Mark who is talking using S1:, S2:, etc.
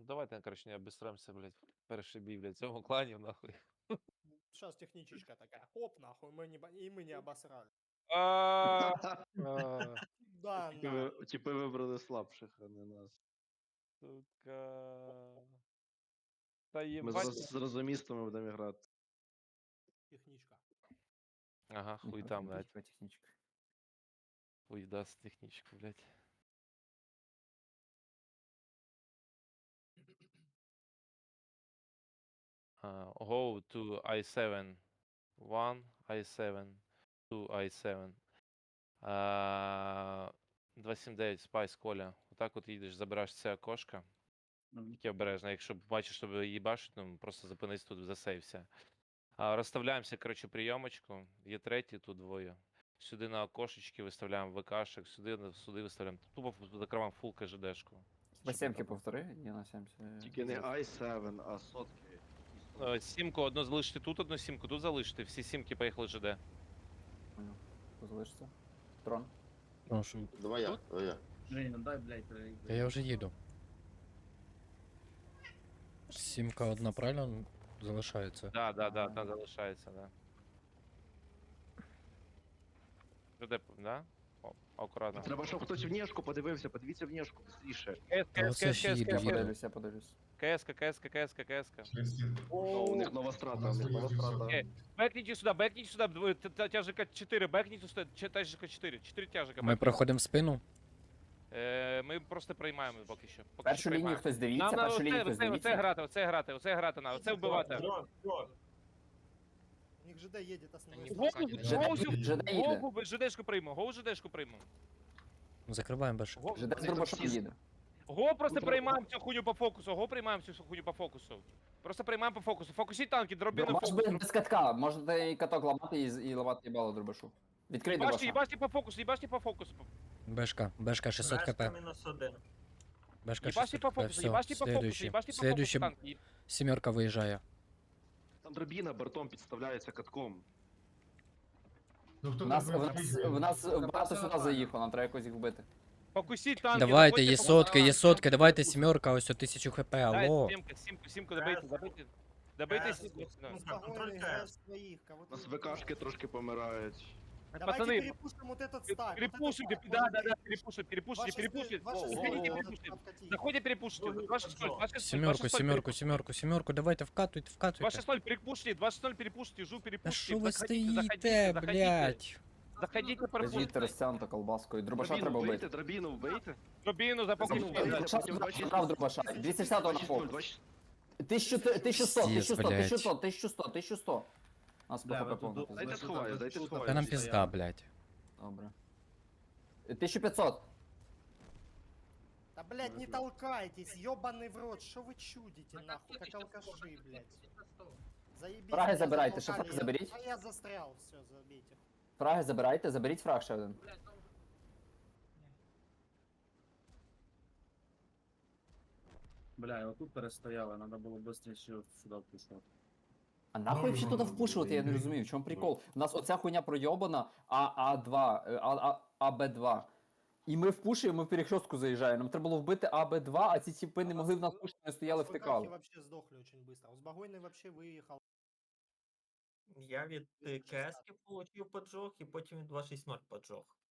S1: давайте, короче, не обістремся, блядь, перший бій, блядь, в цьому клані, нахуй.
S2: Сейчас техничечка такая, хоп, нахуй, и мы не обосрали.
S1: А, а,
S2: Да, нахуй.
S3: Типи вибрали слабших, а не нас.
S1: Сука. Та
S3: Ми
S1: єбать.
S3: з розумістами будемо грати.
S2: Техничка.
S1: Ага, хуй там, блядь.
S4: Техничка.
S1: Хуй даст технічку, блядь. Go to I7. 1, I7, 2, I7. 279, Спайс, Коля. Отак от їдеш, забираєш це окошко. Тільки обережно, якщо бачиш, що її бачить, ну просто зупинись тут, засейвся. Розставляємося, коротше, прийомочку. Є третій, тут двоє. Сюди на окошечки виставляємо ВКшек, сюди виставляємо. Тупо закриваємо фул КЖДшку.
S4: На 7-ки повтори, я на 70.
S3: Тільки не i7, а сотки.
S1: Сімку одну залишити тут, одну сімку тут залишити. Всі сімки поїхали ЖД.
S4: Залишиться. Трон.
S5: Прошу.
S6: Давай я, давай я.
S7: Женя, дай, блядь,
S5: Та я вже їду. Сімка одна правильно залишається.
S1: Да, там залишається, да. ЖД, да? О, акуратно.
S3: Треба, щоб хтось внешку подивився, подивіться внешку, быстріше.
S5: Та оце ж їду,
S4: Я
S5: їду.
S4: подивлюсь, я подивлюсь.
S1: КС-ка.
S3: О, у них нова страта, у них нова страта.
S1: Бэкните сюда, тяжика 4, бэкните сюда, тяжика 4, 4 тяжика.
S5: Ми проходимо в спину.
S1: Ми просто приймаємо поки що.
S4: Першу лінію хтось дивіться,
S1: Нам
S4: першу лінію хтось
S1: оце
S4: дивіться.
S1: грати, оце вбивати.
S2: У них ЖД едет основной.
S1: Гоу, ЖДшку приймемо,
S5: Закриваємо більше.
S4: ЖД з дробашом їде.
S1: Го просто приймаємо цю хуйню по фокусу, Просто приймаємо по фокусу. Фокусіть танки, дроби на
S4: Дробаш
S1: фокус.
S4: без катка, можете і каток ламати і ламати їбало дробашу. Відкрий дробаша.
S1: Їбаште по фокусу.
S5: Бешка 600 кп. Бешка
S1: Їбаште
S5: 600
S1: по
S5: кп,
S1: фокусу,
S5: все,
S1: їбаште по фокусу,
S5: следующий.
S1: їбаште по фокусу
S5: Следующий
S1: танки.
S5: сімерка виїжджає.
S3: Там дробіна бортом підставляється катком.
S4: В нас багато сюди заїхало, нам треба якось їх вбити.
S1: Фокусіть танки.
S5: Давайте,
S1: заходьте
S5: є сотки, давайте сімерка, ось 1000 хп,
S1: Дай,
S5: алло.
S1: сімку, добийте сімку.
S2: Спокойно играй своих.
S3: У нас ВКшки трошки помирають.
S2: Давайте
S1: Пацаны,
S2: перепушим вот этот стак.
S1: перепушите, перепушите. Заходите, перепушите. 2-6-0,
S5: Сімерку, давайте вкатуйте.
S1: 2-6-0, перепушите, 2-6-0, перепушите, жу,
S5: Та
S1: перепушите.
S5: що ви
S1: Заходите,
S5: стоїте, блядь?
S1: Заходите,
S4: Їдьте
S1: перепушите.
S4: розтягнуто колбаскою. Дробаша
S3: Дробіну
S4: треба
S3: вбийте,
S4: вбити.
S3: дробіну вбийте.
S1: Дробину, запокушите.
S4: Дробаша забрав дробаша. 260 на фокус. 1100, 1100. Нас по ХП повно.
S3: Дайте сховаю, дайте
S5: Та
S3: сховаю.
S5: нам пізда, блядь.
S4: Добре. 1500.
S2: Да, блядь, не толкайтесь, ёбаный в рот, что вы чудите, нахуй, как алкаши, блядь. Заебись.
S4: Фраги
S2: меня
S4: забирайте,
S2: затолкали,
S4: ще фраги заберіть.
S2: А я застрял, все, забейте.
S4: Фраги забирайте, заберіть фраг ще один.
S7: Бля, я отут перестояли, надо було швидше сюди впустити.
S4: А нахуй взагалі туди впушувати, я не розумію, в чому прикол? У нас оця хуйня пройобана АА2, АБ2. І ми впушуємо, ми в перехрестку заїжджаємо. Нам треба було вбити АБ2, а ці типи не могли в нас пушити, не стояли,
S2: Узбагойный
S4: втикали.
S2: вообще сдохли очень быстро. Узбагойный вообще выехал.
S8: Я від КС получив поджог і потім від 260 поджог.